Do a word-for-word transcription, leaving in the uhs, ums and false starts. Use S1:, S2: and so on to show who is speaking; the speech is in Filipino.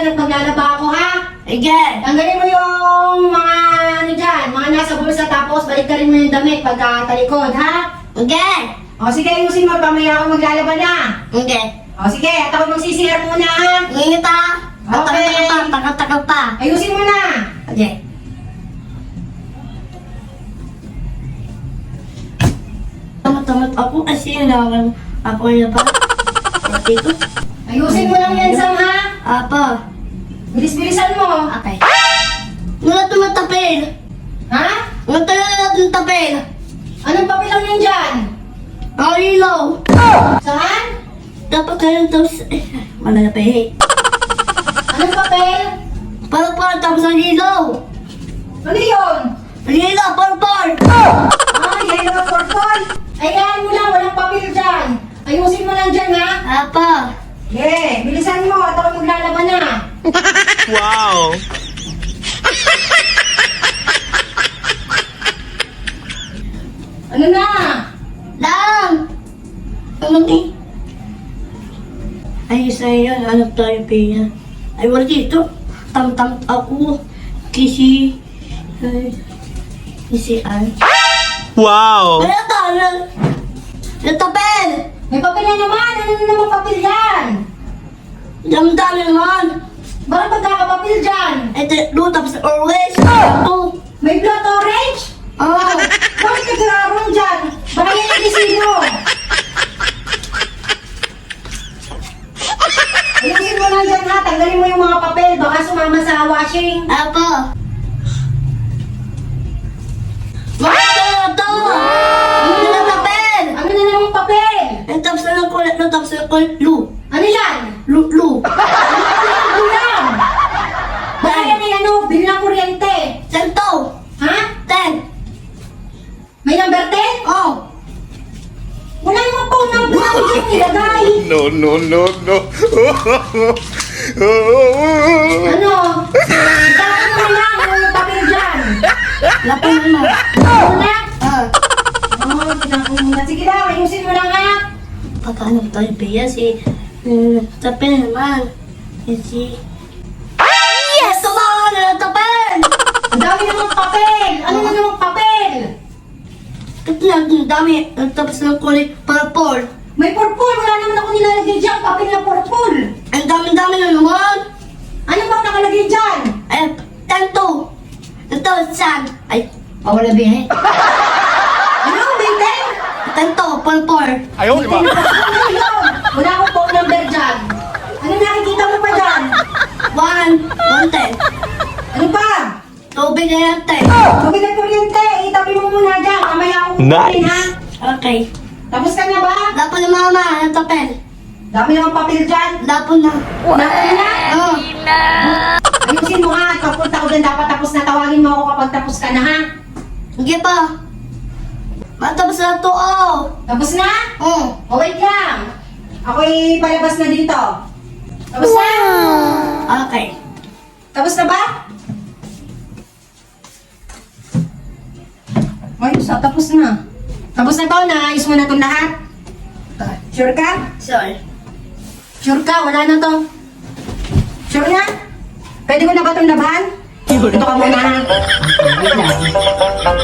S1: dyan at maglalaba ako, ha?
S2: Sige.
S1: Tanggalin mo yung mga ano dyan, mga nasa bulsa, tapos baliktarin mo yung damit pagka talikod, ha?
S2: Sige.
S1: O sige, ayusin mo, pamaya ako maglalaba na.
S2: Sige.
S1: O sige, at ako magsisir muna, ha?
S2: Ingat ha.
S1: Okay.
S2: Tagal pa, tagal-tagal pa.
S1: Ayusin mo na.
S2: Sige. Tamat-tamat ako kasi naman ako na ba? Dito.
S1: Ayusin mo lang yan, Sam, ha?
S2: Apa.
S1: Bilis-bilisan mo.
S2: Okay. Wala tumatapil.
S1: Ha?
S2: Wala talaga tumatapil.
S1: Anong papel lang yan dyan?
S2: Ang ilaw.
S1: Saan?
S2: Dapat kayo tapos... Eh, wala na pa eh.
S1: Anong papel?
S2: Para para tapos ang ilaw.
S1: Ano yun?
S2: Ang ilaw, para para.
S1: Ah, yellow at purple. Ayan mo lang, walang papel dyan. Ayusin mo lang dyan, ha?
S2: Apa.
S1: Yeah, bilisan mo at ako maglalaban na.
S3: Wow!
S1: Ano na?
S2: Lang. Ano ni? Ay, isa yan. Hanap tayo kaya. Ay, wala dito. Tam-tam ako. Kisi... Ay... Kisi Ann.
S3: Wow!
S2: Ano to? Ano? Natapel!
S1: May papel na naman. Ano na naman papel yan?
S2: Dami-dami naman.
S1: Bakit magkakapapel dyan?
S2: Ito, do, tapos always. Ito.
S1: May blood orange?
S2: Oh.
S1: Bakit nag-aaron dyan? Baka yan yung disino. Ayusin mo lang dyan, ha? Tanggalin mo yung mga papel. Baka sumama sa washing.
S2: Apa. Bakit na to? Ano na natapel?
S1: Ano na namang papel?
S2: Ito, tapos na lang ko, ito, tapos na ko, lu.
S1: Ano yan?
S2: Lu, lu.
S1: Ano yan? Baka yan ay ano, bilang kuryente.
S2: Sento.
S1: Ha?
S2: Ten.
S1: May number ten?
S2: Oh.
S1: Wala naman po number ako dyan nilagay.
S3: No, no, no, no.
S1: Ano? Ikaw mo lang yung papel dyan.
S2: Lapin mo.
S1: Ano na?
S2: Ah.
S1: Oo, tignan ko muna. Sige daw, ayusin mo lang, ha?
S2: Paano tayo biya si... Uh, tapel naman. Si... Yes! Ito ba? Ano na tapel?
S1: Ang dami namang papel. Ano na namang papel?
S2: Ito na, ang dami. Ang tapos ng kulay purple.
S1: May purple. Wala naman ako nilalagay dyan. Papel na purple.
S2: Ang dami-dami na naman.
S1: Ano bang nakalagay dyan?
S2: Ay, tento. Ito, saan? Ay, pawala biya eh.
S1: Ano? May ten?
S2: Tento, purple.
S3: Ayaw, di ba?
S1: Ano yun? Wala akong phone number dyan. Ano nakikita mo pa dyan?
S2: One, one ten.
S1: Ano pa?
S2: Tubig na yan, ten.
S1: Tubig at kuryente. Itabi mo muna dyan. Mamaya ako kukunin,
S3: Nice.
S1: ha?
S2: Okay.
S1: Tapos ka na ba?
S2: Lapo na mama, ang tapel.
S1: Dami namang papel dyan.
S2: Lapo na.
S1: Napin na?
S2: Oh.
S1: Ayusin mo, ha? Pagpunta ko dyan, dapat tapos na. Tawagin mo ako kapag tapos ka na, ha?
S2: Sige pa. Matapos na to, oh.
S1: Tapos na?
S2: Oh.
S1: O, wait lang. Ako'y palabas na dito. Tapos na?
S2: Okay.
S1: Tapos na ba? Ay, sa tapos na. Tapos na to, naayos mo na itong lahat. Sure ka?
S2: Sorry.
S1: Sure ka? Wala na to. Sure na? Pwede ko na ba itong labahan? Ito ka muna, ha? Wait lang.